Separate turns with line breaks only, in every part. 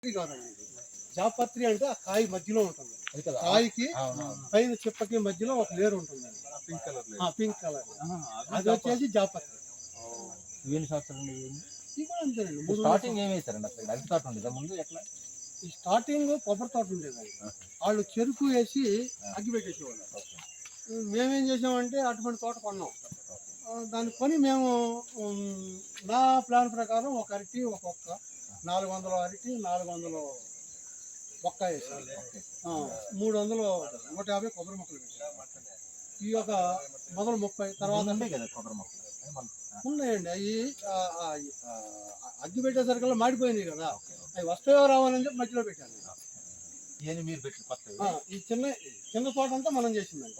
ఇది కాదండి ఇది. జాపత్రి అంటే ఆ కాయ మధ్యలో ఉంటుంది. కాయకి పైన చిప్పకి మధ్యలో ఒక లేరు ఉంటుందండి. పింక్ కలర్ అది వచ్చేసి జాపత్రి.
ఎన్ని సంవత్సరాలు
ఇది కూడా అంతేనండి.
స్టార్టింగ్ ఏం వేసారండి అసలు? అరటి తోట ఉండేదా ముందు? ఎట్లా?
ఈ స్టార్టింగ్ కొబ్బరి తోట ఉండేదండి. వాళ్ళు చెరుకు వేసి అగ్గి పెట్టేసేవాళ్ళు. మేమేం చేసామంటే అటువంటి తోట కొన్నాం. దాన్ని కొని మేము నా ప్లాన్ ప్రకారం ఒక అరటి ఒక్కొక్క 400 అరటి 400 ఒక్క వేసాం. 300 150 కొబ్బరి మొక్కలు పెట్టాం. ఈ యొక్క మొదలు 30 తర్వాత
కదా కొబ్బరి మొక్కలు
ఉన్నాయండి. అవి అగ్గి పెట్టేసరికల్లా మాడిపోయినాయి కదా, అవి వస్తాయో రావాలని చెప్పి మధ్యలో పెట్టాను.
మీరు పెట్టి
ఈ చిన్న తోట అంతా మనం చేసిందండి.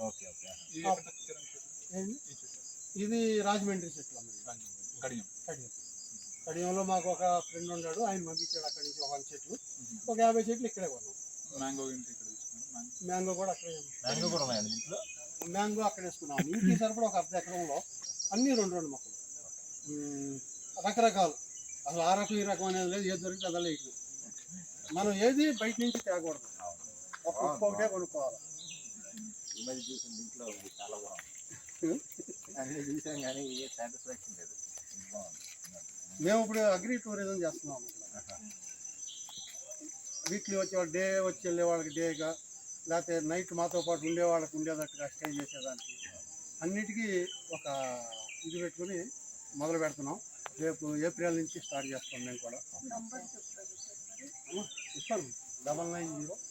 ఇది రాజమండ్రి చెట్లు కడియంలో మాకు ఒక ఫ్రెండ్ ఉన్నాడు, ఆయన పంపించాడు అక్కడి నుంచి 100 చెట్లు, ఒక 50 చెట్లు ఇక్కడే కొన్నాం. మ్యాంగో కూడా అక్కడే, మ్యాంగో అక్కడ వేసుకున్నాం. ఇంటి సరిపడా ఒక 1/2 ఎకరంలో అన్ని 2 మొక్కలు రకరకాలు. అసలు ఆ రకం ఈ రకం అనేది లేదు, ఏది దొరికితే అదే ఇట్లు. మనం ఏది బయట నుంచి తేకూడదు, ఒక్కొక్కటే కొనుక్కోవాలి.
ఇంట్లో చాలా అన్ని చూసాం కానీ ఏ సాటిస్ఫాక్షన్ లేదు.
మేము ఇప్పుడు అగ్రి టూరిజం చేస్తున్నాం. వీక్లీ డే వచ్చి వెళ్ళే వాళ్ళకి డేగా, లేకపోతే నైట్ మాతో పాటు ఉండే వాళ్ళకి ఉండేటట్టుగా స్టే చేసేదానికి అన్నిటికీ ఒక ఇది పెట్టుకుని మొదలు పెడుతున్నాం. రేపు ఏప్రిల్ నుంచి స్టార్ట్ చేస్తాం. మేము కూడా ఇస్తాను 990